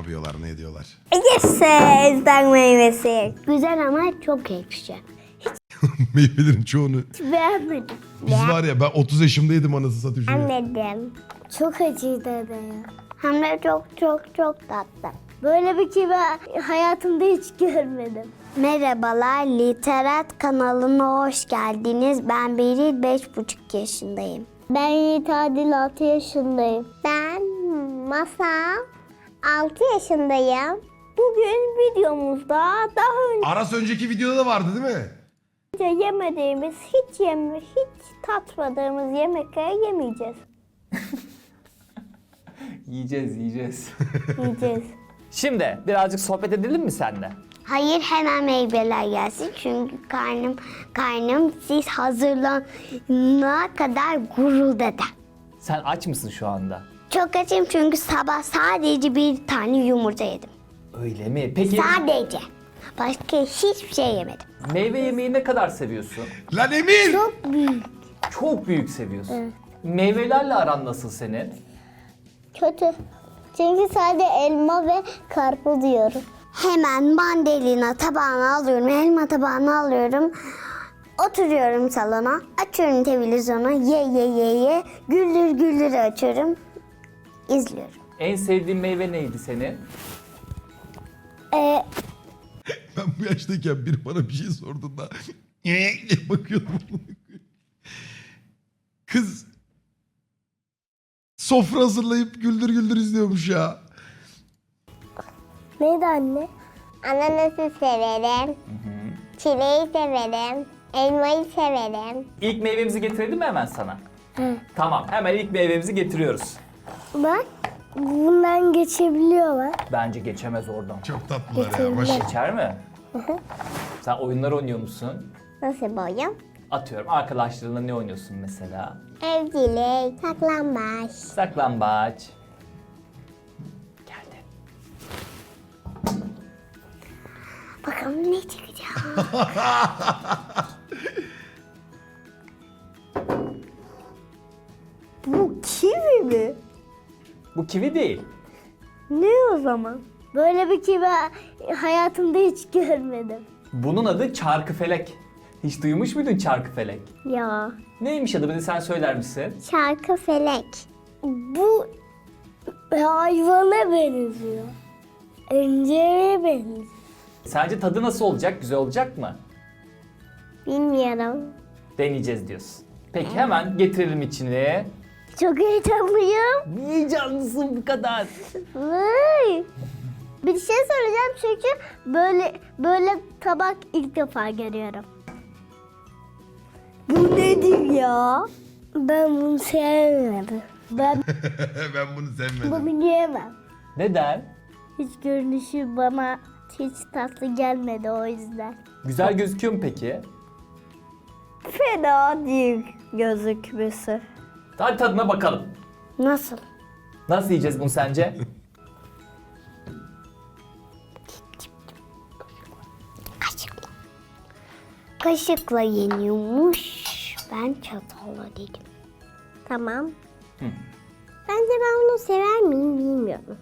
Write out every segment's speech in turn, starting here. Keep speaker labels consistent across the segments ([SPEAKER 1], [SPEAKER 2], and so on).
[SPEAKER 1] yapıyorlar, ne ediyorlar?
[SPEAKER 2] Ezden meyvesi. Güzel ama çok ekşi.
[SPEAKER 1] Meyvelerin çoğunu.
[SPEAKER 2] Beğenmedim.
[SPEAKER 1] Biz var ya, ben 30 yaşımdaydım anasını satayım şunu.
[SPEAKER 2] Beğenmedim. Çok acıydı da ya. Hem de çok tatlı. Böyle bir kivi hayatımda hiç görmedim. Merhabalar, Literat kanalına hoş geldiniz. Ben Beril, 5,5 yaşındayım. Ben Yiğit Adil, 6 yaşındayım. Ben Masal, 6 yaşındayım. Bugün videomuzda daha
[SPEAKER 1] Aras önceki videoda da vardı değil mi?
[SPEAKER 2] önce yemediğimiz, hiç tatmadığımız yemekleri yemeyeceğiz.
[SPEAKER 3] Yiyeceğiz.
[SPEAKER 2] Yiyeceğiz.
[SPEAKER 3] Şimdi birazcık sohbet edelim mi seninle?
[SPEAKER 2] Hayır, hemen meyveler gelsin çünkü karnım siz hazırlanana kadar guruldadı.
[SPEAKER 3] Sen aç mısın şu anda?
[SPEAKER 2] Çok açım çünkü sabah sadece bir tane yumurta yedim.
[SPEAKER 3] Öyle mi? Peki
[SPEAKER 2] Sadece. Başka hiçbir şey yemedim.
[SPEAKER 3] meyve yemeği ne kadar seviyorsun?
[SPEAKER 1] Lan Emir!
[SPEAKER 2] Çok büyük.
[SPEAKER 3] Çok büyük seviyorsun. Meyvelerle aran nasıl senin?
[SPEAKER 2] Kötü. Çünkü sadece elma ve karpuz yiyorum. Hemen mandalina tabağını alıyorum, elma tabağını alıyorum. Oturuyorum salona, açıyorum televizyonu, ye, güldür açıyorum, izliyorum.
[SPEAKER 3] En sevdiğin meyve neydi senin?
[SPEAKER 1] Ben bu yaştayken biri bana bir şey sorduğunda diye bakıyordum. Kız sofra hazırlayıp güldür izliyormuş ya.
[SPEAKER 2] Neydi anne? Ananası severim, çileği severim, elmayı severim.
[SPEAKER 3] İlk meyvemizi getirelim mi hemen sana? Tamam, hemen ilk meyvemizi getiriyoruz.
[SPEAKER 2] Bak, bundan geçebiliyorlar.
[SPEAKER 3] Bence geçemez oradan.
[SPEAKER 1] Çok tatlılar ya. Maşallah.
[SPEAKER 3] Geçer mi? Sen oyunlar oynuyor musun?
[SPEAKER 2] Nasıl boyum?
[SPEAKER 3] Atıyorum, arkadaşlarınla ne oynuyorsun mesela?
[SPEAKER 2] Evcilik, saklambaç.
[SPEAKER 3] Saklambaç. Geldi.
[SPEAKER 2] Bakalım ne çıkacak? Bu kivi mi?
[SPEAKER 3] Bu kivi değil.
[SPEAKER 2] Ne o zaman? Böyle bir kivi hayatımda hiç görmedim.
[SPEAKER 3] Bunun adı çarkıfelek. Hiç duymuş muydun çarkıfelek?
[SPEAKER 2] Ya.
[SPEAKER 3] Neymiş adı? Bir de sen söyler misin?
[SPEAKER 2] Şarkı felek. Bu hayvana benziyor. İnceye benziyor.
[SPEAKER 3] Sence tadı nasıl olacak? Güzel olacak mı?
[SPEAKER 2] Bilmiyorum.
[SPEAKER 3] Deneyeceğiz diyorsun. Peki hemen getirelim içine.
[SPEAKER 2] Çok heyecanlıyım.
[SPEAKER 3] Niye canlısın bu kadar?
[SPEAKER 2] Vay. Bir şey söyleyeceğim çünkü böyle tabak ilk defa görüyorum. Bu nedir ya? Ben bunu sevmedim. Ben
[SPEAKER 1] Ben bunu sevmedim.
[SPEAKER 2] bunu yiyemem.
[SPEAKER 3] Neden?
[SPEAKER 2] Hiç görünüşü bana hiç tatlı gelmedi o yüzden.
[SPEAKER 3] Güzel gözüküyor mu peki?
[SPEAKER 2] Fena değil gözükmesi.
[SPEAKER 3] Hadi tadına bakalım.
[SPEAKER 2] Nasıl?
[SPEAKER 3] Nasıl yiyeceğiz bunu sence?
[SPEAKER 2] Kaşıkla. Kaşıkla yeniyormuş. Ben çatalla dedim. Tamam.
[SPEAKER 3] Hı.
[SPEAKER 2] Bence ben bunu sever miyim bilmiyorum.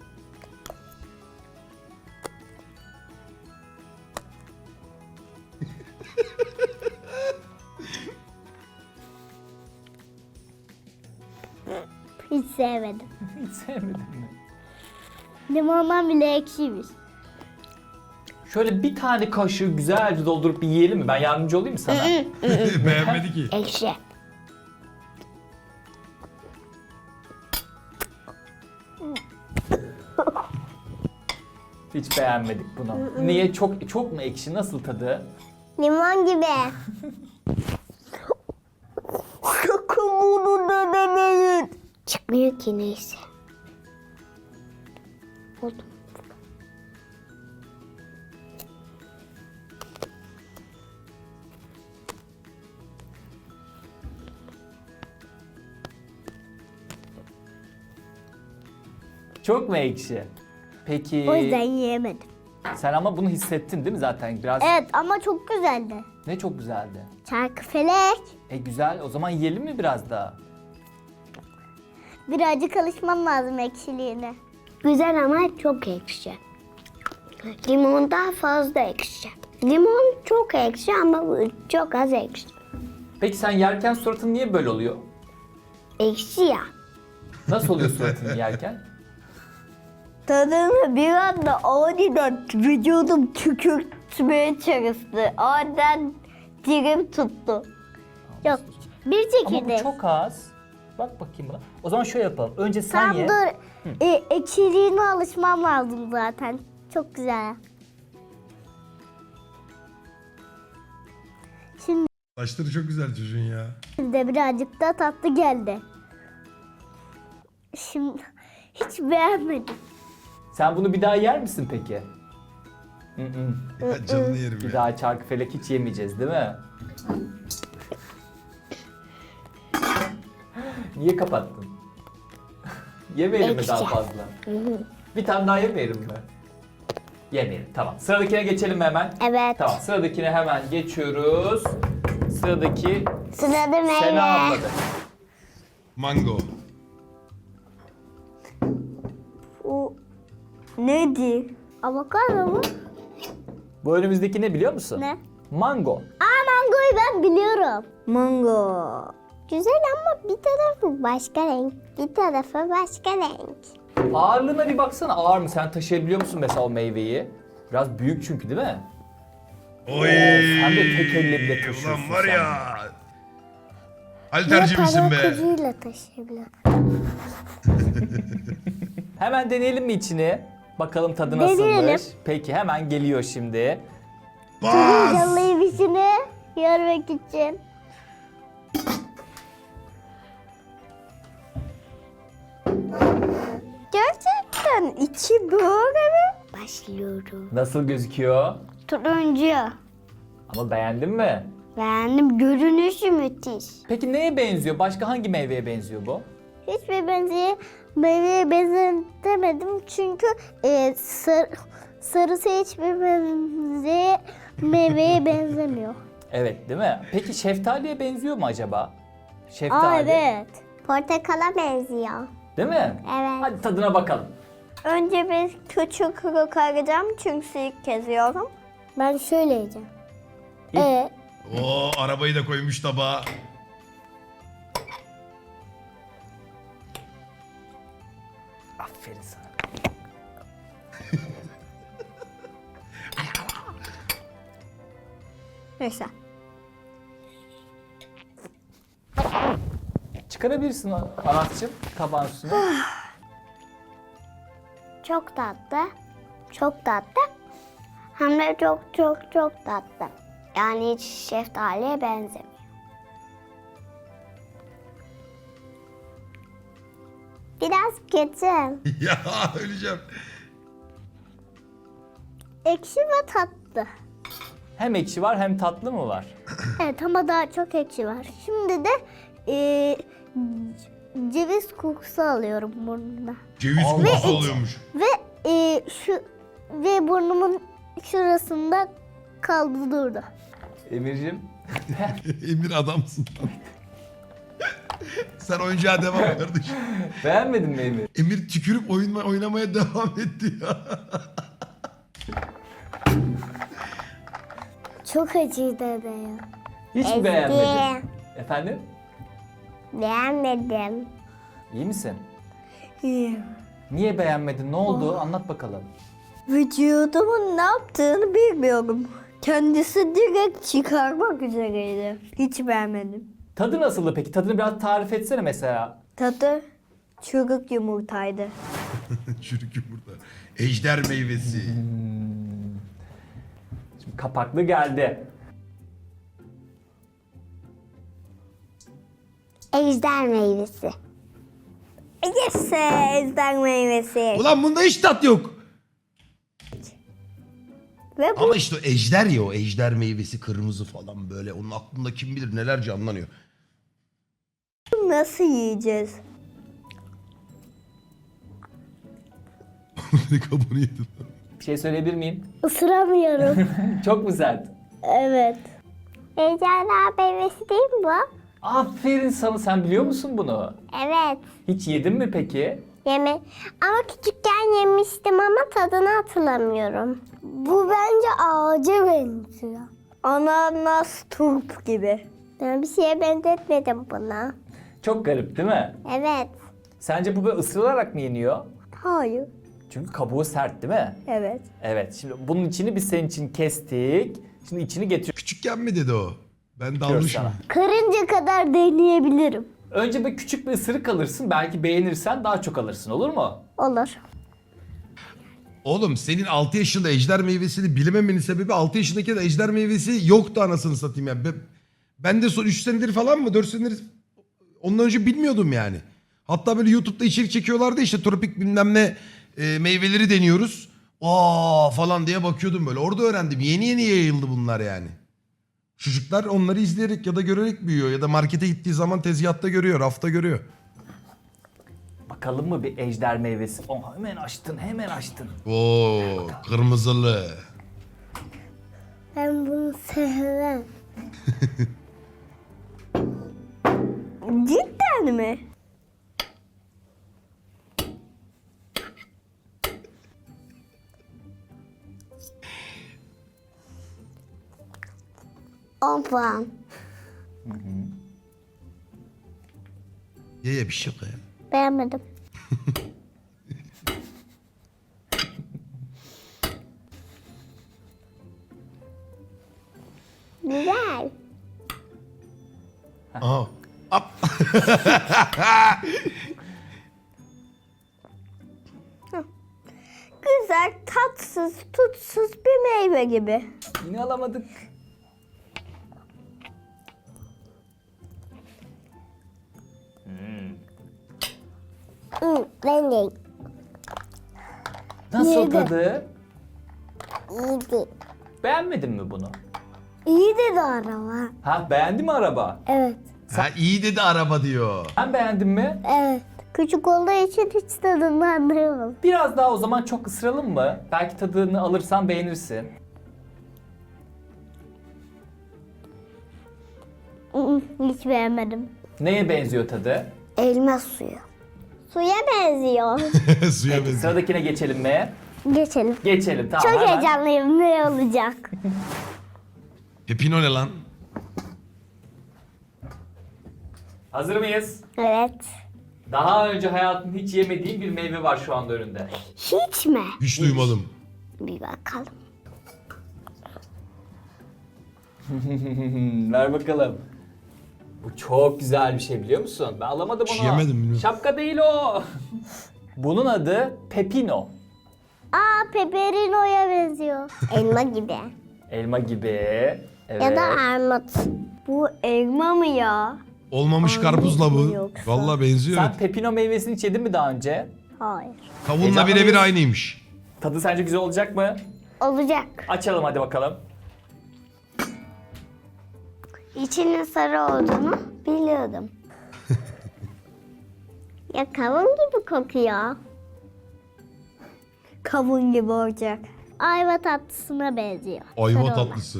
[SPEAKER 2] Hiç sevmedim.
[SPEAKER 3] Hiç sevmedim mi?
[SPEAKER 2] Limondan bile ekşiymiş.
[SPEAKER 3] Şöyle bir tane kaşığı güzelce doldurup bir yiyelim mi? Ben yardımcı olayım mı sana?
[SPEAKER 1] Beğenmedi ki.
[SPEAKER 2] Ekşi.
[SPEAKER 3] Hiç beğenmedik bunu. Niye? Çok mu ekşi? Nasıl tadı?
[SPEAKER 2] Limon gibi. Sakın bunu denemeyin. Çıkmıyor ki neyse. Buldum.
[SPEAKER 3] Çok mu ekşi? Peki
[SPEAKER 2] O yüzden yiyemedim.
[SPEAKER 3] sen ama bunu hissettin değil mi zaten? Biraz
[SPEAKER 2] Evet ama çok güzeldi.
[SPEAKER 3] ne çok güzeldi.
[SPEAKER 2] Çarkıfelek.
[SPEAKER 3] Güzel. O zaman yiyelim mi biraz daha?
[SPEAKER 2] Birazcık alışmam lazım ekşiliğine. Güzel ama çok ekşi. Limon daha fazla ekşi. Limon çok ekşi ama bu çok az ekşi.
[SPEAKER 3] Peki sen yerken suratın niye böyle oluyor?
[SPEAKER 2] Ekşi ya.
[SPEAKER 3] Nasıl oluyor suratın yerken?
[SPEAKER 2] Tadını bir anda aniden vücudum tükürtmeye çalıştı. Aniden dilim tuttu. Yok. Bir
[SPEAKER 3] Ama bu
[SPEAKER 2] çekirdek.
[SPEAKER 3] çok az. Bak bakayım buna. O zaman şöyle yapalım. Önce sen
[SPEAKER 2] Tam
[SPEAKER 3] ye.
[SPEAKER 2] dur. Ekşiliğine alışmam lazım zaten. Çok güzel. Şimdi
[SPEAKER 1] Saçları çok güzel çocuğun ya.
[SPEAKER 2] de birazcık da tatlı geldi. Şimdi hiç beğenmedim.
[SPEAKER 3] Sen bunu bir daha yer misin peki? Hı.
[SPEAKER 1] Ya canını yerim
[SPEAKER 3] Bir
[SPEAKER 1] ya.
[SPEAKER 3] daha çarkıfelek hiç yemeyeceğiz değil mi? Niye kapattın? Yemeyelim mi daha
[SPEAKER 2] Ekşi.
[SPEAKER 3] fazla? Bir tane daha yemeyelim mi? Yemeyelim. Tamam. Sıradakine geçelim mi hemen?
[SPEAKER 2] Evet.
[SPEAKER 3] Tamam. Sıradakine hemen geçiyoruz. Sıradaki
[SPEAKER 2] Sırada
[SPEAKER 3] Sena
[SPEAKER 2] meyve.
[SPEAKER 3] abladı.
[SPEAKER 1] Mango.
[SPEAKER 2] O nedir? Avokado mu?
[SPEAKER 3] Bu önümüzdeki ne biliyor musun?
[SPEAKER 2] Ne?
[SPEAKER 3] Mango.
[SPEAKER 2] Mangoyu ben biliyorum. Mango. Güzel ama bir tarafı başka renk, bir tarafı başka renk.
[SPEAKER 3] Ağırlığına bir baksana. Ağır mı? Sen taşıyabiliyor musun mesela o meyveyi? Biraz büyük çünkü değil mi?
[SPEAKER 1] Oy.
[SPEAKER 3] Sen de tek elle bile taşıyorsun
[SPEAKER 1] Ulan var
[SPEAKER 3] sen.
[SPEAKER 1] ya. Halterci misin be?
[SPEAKER 2] Ucuyla taşıyabilir.
[SPEAKER 3] Hemen deneyelim mi içini? Bakalım tadı
[SPEAKER 2] Deneyelim.
[SPEAKER 3] nasılmış. Peki hemen geliyor şimdi.
[SPEAKER 1] Bas.
[SPEAKER 2] Yalayayım içini görmek için. Gerçekten içi böyle mi? Başlıyorum.
[SPEAKER 3] Nasıl gözüküyor?
[SPEAKER 2] Turuncu.
[SPEAKER 3] Ama beğendin mi?
[SPEAKER 2] Beğendim. Görünüşü müthiş.
[SPEAKER 3] Peki neye benziyor? Başka hangi meyveye benziyor bu?
[SPEAKER 2] Hiçbir meyveye benzetemedim çünkü sarısı hiçbir meyveye benzemiyor.
[SPEAKER 3] Evet değil mi? Peki şeftaliye benziyor mu acaba? Şeftali.
[SPEAKER 2] Evet. Portakala benziyor.
[SPEAKER 3] Değil mi?
[SPEAKER 2] Evet.
[SPEAKER 3] Hadi tadına bakalım.
[SPEAKER 2] Önce bir küçük kokaracağım çünkü ilk kez yiyorum. Ben şöyle yiyeceğim.
[SPEAKER 1] Oo, arabayı da koymuş tabağa.
[SPEAKER 3] Aferin sana.
[SPEAKER 2] Neyse.
[SPEAKER 3] Çıkarabilirsin Anas'cığım tabağın üstüne.
[SPEAKER 2] Çok tatlı. Çok tatlı. Hem de çok tatlı. Yani hiç şeftaliye benzemiyor. Biraz kötü.
[SPEAKER 1] Ya öleceğim.
[SPEAKER 2] Ekşi ve tatlı.
[SPEAKER 3] Hem ekşi var hem tatlı mı var?
[SPEAKER 2] Evet ama daha çok ekşi var. Şimdi de ceviz kokusu alıyorum burnumda.
[SPEAKER 1] Ceviz
[SPEAKER 3] Allah
[SPEAKER 1] kokusu
[SPEAKER 3] Allah.
[SPEAKER 1] oluyormuş.
[SPEAKER 2] Ve burnumun şurasında kaldı durdu.
[SPEAKER 3] Emir'cim.
[SPEAKER 1] Emir adamsın. Sen oyuncağa devam kardeşim.
[SPEAKER 3] Beğenmedin mi Emir?
[SPEAKER 1] Emir tükürüp oynamaya devam etti ya.
[SPEAKER 2] Çok acıydı dede ya.
[SPEAKER 3] Hiç mi beğenmedin? Efendim?
[SPEAKER 2] Beğenmedim.
[SPEAKER 3] İyi misin?
[SPEAKER 2] İyi.
[SPEAKER 3] Niye beğenmedin? Ne oldu? Anlat bakalım.
[SPEAKER 2] Vücudumun ne yaptığını bilmiyorum. Kendisi direkt çıkarmak üzereydi. Hiç beğenmedim.
[SPEAKER 3] Tadı nasıldı peki? Tadını biraz tarif etsene mesela.
[SPEAKER 2] Tadı çürük yumurtaydı.
[SPEAKER 1] Çürük yumurta. Ejder meyvesi.
[SPEAKER 3] Şimdi kapaklı geldi.
[SPEAKER 2] Ejder meyvesi. Yes, ejder meyvesi.
[SPEAKER 1] Ulan bunda hiç tat yok.
[SPEAKER 2] Ve bu
[SPEAKER 1] Ama işte o ejder ya, o ejder meyvesi kırmızı falan böyle. Onun aklında kim bilir neler canlanıyor.
[SPEAKER 2] nasıl yiyeceğiz?
[SPEAKER 1] Kabuğunu yedim.
[SPEAKER 3] Bir şey söyleyebilir miyim?
[SPEAKER 2] Isıramıyorum.
[SPEAKER 3] Çok mu sert?
[SPEAKER 2] Evet. Ejderha meyvesi değil mi bu?
[SPEAKER 3] Aferin sana. Sen biliyor musun bunu?
[SPEAKER 2] Evet.
[SPEAKER 3] Hiç yedin mi peki?
[SPEAKER 2] Yeme. Ama küçükken Ben yemiştim ama tadını hatırlamıyorum. Bu bence ağaca benziyor. Ananas turp gibi. Ben bir şeye benzetmedim buna.
[SPEAKER 3] Çok garip değil mi?
[SPEAKER 2] Evet.
[SPEAKER 3] Sence bu böyle ısırılarak mı yeniyor?
[SPEAKER 2] Hayır.
[SPEAKER 3] Çünkü kabuğu sert değil mi?
[SPEAKER 2] Evet.
[SPEAKER 3] Evet. Şimdi bunun içini biz senin için kestik. Şimdi içini getiriyoruz
[SPEAKER 1] Küçükken mi dedi o? Ben dalmışım.
[SPEAKER 3] sana.
[SPEAKER 2] Karınca kadar deneyebilirim.
[SPEAKER 3] Önce bir küçük bir ısırık alırsın. Belki beğenirsen daha çok alırsın, olur mu?
[SPEAKER 2] Olur.
[SPEAKER 1] Oğlum senin 6 yaşında ejder meyvesini bilememenin sebebi 6 yaşındaki de ejder meyvesi yoktu anasını satayım yani. Ben de son 3 senedir falan mı 4 senedir ondan önce bilmiyordum yani. Hatta böyle YouTube'da içerik çekiyorlardı işte tropik bilmem ne meyveleri deniyoruz. Aa falan diye bakıyordum böyle. Orada öğrendim. Yeni yeni yayıldı bunlar yani. Çocuklar onları izleyerek ya da görerek büyüyor ya da markete gittiği zaman tezgahta görüyor, rafta görüyor.
[SPEAKER 3] Bakalım mı bir ejder meyvesi? Oh, hemen açtın, hemen açtın.
[SPEAKER 1] Oo, kırmızılı.
[SPEAKER 2] Ben bunu sevmem. Cidden mi? On puan.
[SPEAKER 1] Ye bir şey yok ya.
[SPEAKER 2] Beğenmedim. Güzel.
[SPEAKER 1] Aha. Ap.
[SPEAKER 2] Güzel, tatsız, tutsuz bir meyve gibi.
[SPEAKER 3] Yine alamadık.
[SPEAKER 2] Ben de
[SPEAKER 3] Nasıl
[SPEAKER 2] Yedi.
[SPEAKER 3] tadı?
[SPEAKER 2] iyiydi.
[SPEAKER 3] Beğenmedin mi bunu?
[SPEAKER 2] İyi dedi araba.
[SPEAKER 3] Ha, beğendi mi araba?
[SPEAKER 2] Evet.
[SPEAKER 1] Ha iyi dedi araba diyor.
[SPEAKER 3] Sen beğendin mi?
[SPEAKER 2] Evet. Küçük olduğu için hiç tadını anlayamam.
[SPEAKER 3] Biraz daha o zaman çok ısıralım mı? Belki tadını alırsan beğenirsin.
[SPEAKER 2] Hiç beğenmedim.
[SPEAKER 3] Neye benziyor tadı?
[SPEAKER 2] Elma suyu. Suya benziyor.
[SPEAKER 1] Suya
[SPEAKER 3] Peki,
[SPEAKER 1] benziyor.
[SPEAKER 3] sıradakine geçelim mi?
[SPEAKER 2] Geçelim.
[SPEAKER 3] Geçelim, tamam.
[SPEAKER 2] Çok
[SPEAKER 3] hemen.
[SPEAKER 2] heyecanlıyım. Ne olacak?
[SPEAKER 1] Pepino ne lan?
[SPEAKER 3] Hazır mıyız?
[SPEAKER 2] Evet.
[SPEAKER 3] Daha önce hayatında hiç yemediğin bir meyve var şu anda önünde.
[SPEAKER 2] Hiç mi?
[SPEAKER 1] Hiç duymadım.
[SPEAKER 2] Bir bakalım.
[SPEAKER 3] Ver bakalım. Bu çok güzel bir şey, biliyor musun? Ben alamadım
[SPEAKER 1] Hiç
[SPEAKER 3] onu.
[SPEAKER 1] yemedim, bilmiyorum.
[SPEAKER 3] Şapka değil o. Bunun adı pepino.
[SPEAKER 2] Aa, peperino'ya benziyor. Elma gibi.
[SPEAKER 3] Elma gibi. Evet.
[SPEAKER 2] Ya da armut. Bu elma mı ya?
[SPEAKER 1] Olmamış karpuzla bu.
[SPEAKER 2] yoksa?
[SPEAKER 1] Vallahi benziyor.
[SPEAKER 3] Sen pepino meyvesini hiç yedin mi daha önce?
[SPEAKER 2] Hayır.
[SPEAKER 1] Kavunla
[SPEAKER 3] Heyecanlı
[SPEAKER 1] birebir
[SPEAKER 3] mıyız?
[SPEAKER 1] aynıymış.
[SPEAKER 3] Tadı sence güzel olacak mı?
[SPEAKER 2] Olacak.
[SPEAKER 3] Açalım hadi bakalım.
[SPEAKER 2] İçinin sarı olduğunu biliyordum. Ya kavun gibi kokuyor. Kavun gibi olacak. Ayva tatlısına benziyor.
[SPEAKER 1] Ayva
[SPEAKER 2] Sarı olan.
[SPEAKER 1] tatlısı.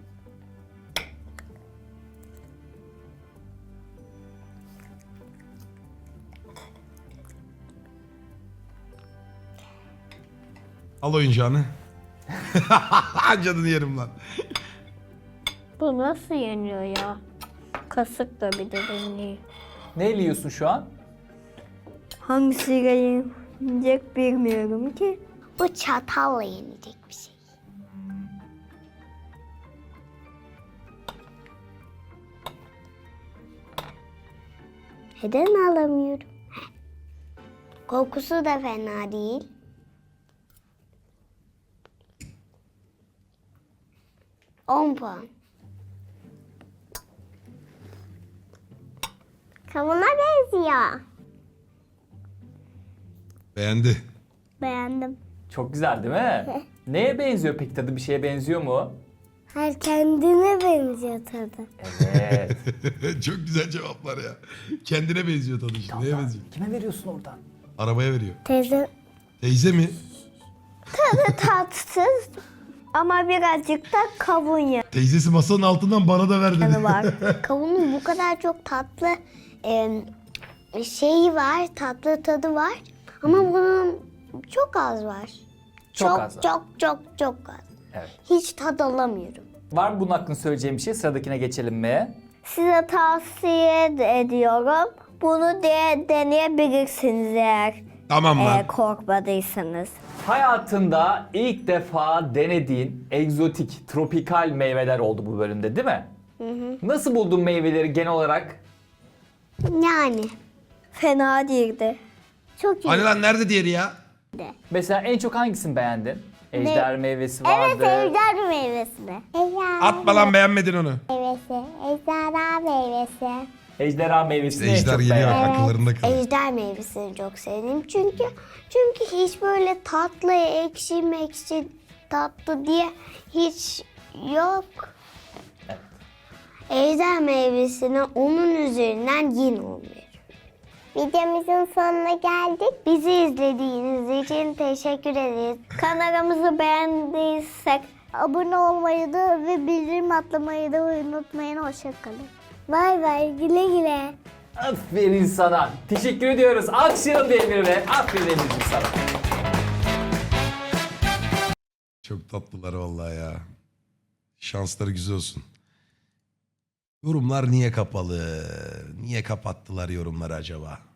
[SPEAKER 1] Al oyuncağını. Canını yerim lan.
[SPEAKER 2] Bu nasıl yeniyor ya? Kasıkla bir de deneyeyim.
[SPEAKER 3] Ne yiyorsun şu an?
[SPEAKER 2] Hangisiyle yenecek bilmiyorum ki. Bu çatalla yenecek bir şey. Neden alamıyorum? Kokusu da fena değil. On puan. Kavuna benziyor.
[SPEAKER 1] Beğendi.
[SPEAKER 2] Beğendim.
[SPEAKER 3] Çok güzel değil mi? Neye benziyor peki, tadı bir şeye benziyor mu?
[SPEAKER 2] Her kendine benziyor tadı.
[SPEAKER 3] Evet.
[SPEAKER 1] Çok güzel cevaplar ya. Kendine benziyor tadı işte. Neye benziyor?
[SPEAKER 3] Kime veriyorsun oradan?
[SPEAKER 1] Arabaya veriyor.
[SPEAKER 2] Teyze
[SPEAKER 1] Teyze mi?
[SPEAKER 2] tadı tatsız ama birazcık da kavun yağı
[SPEAKER 1] Teyzesi masanın altından bana da ver dedi.
[SPEAKER 2] var. Kavunun bu kadar çok tatlı şeyi var, tatlı tadı var. Ama bunun çok az var.
[SPEAKER 3] Çok az var.
[SPEAKER 2] Çok az.
[SPEAKER 3] Evet.
[SPEAKER 2] Hiç tad alamıyorum.
[SPEAKER 3] Var mı bunun hakkında söyleyeceğim bir şey? Sıradakine geçelim mi?
[SPEAKER 2] Size tavsiye ediyorum. Bunu deneyebilirsiniz eğer
[SPEAKER 1] Tamam lan.
[SPEAKER 2] korkmadıysanız.
[SPEAKER 3] Hayatında ilk defa denediğin egzotik, tropikal meyveler oldu bu bölümde değil mi? Nasıl buldun meyveleri genel olarak?
[SPEAKER 2] Yani. Fena değildi. Çok iyi.
[SPEAKER 1] Hani lan nerede diğeri ya?
[SPEAKER 3] Mesela en çok hangisini beğendin? Ejder meyvesi vardı.
[SPEAKER 2] Evet, ejder meyvesini.
[SPEAKER 1] Atma lan, beğenmedin onu.
[SPEAKER 2] Meyvesi, ejderha meyvesi.
[SPEAKER 3] Ejderha meyvesini en
[SPEAKER 1] Ejder
[SPEAKER 3] çok
[SPEAKER 1] geliyor
[SPEAKER 3] beğendim.
[SPEAKER 1] akıllarında kalıyor.
[SPEAKER 2] Ejder meyvesini çok sevdim çünkü hiç böyle tatlı, ekşi tatlı diye hiç yok. Ejder meyvesine onun üzerinden yin olmuyor. Videomuzun sonuna geldik. Bizi izlediğiniz için teşekkür ederiz. Kanalımızı beğendiysek abone olmayı da ve bildirim atlamayı da unutmayın. Hoşçakalın. Bay bay. Güle güle.
[SPEAKER 3] Aferin sana. Teşekkür ediyoruz. Alkışlayalım Demir'e. Aferin Demir'cim sana.
[SPEAKER 1] Çok tatlılar vallahi ya. Şansları güzel olsun. Yorumlar niye kapalı? Niye kapattılar yorumları acaba?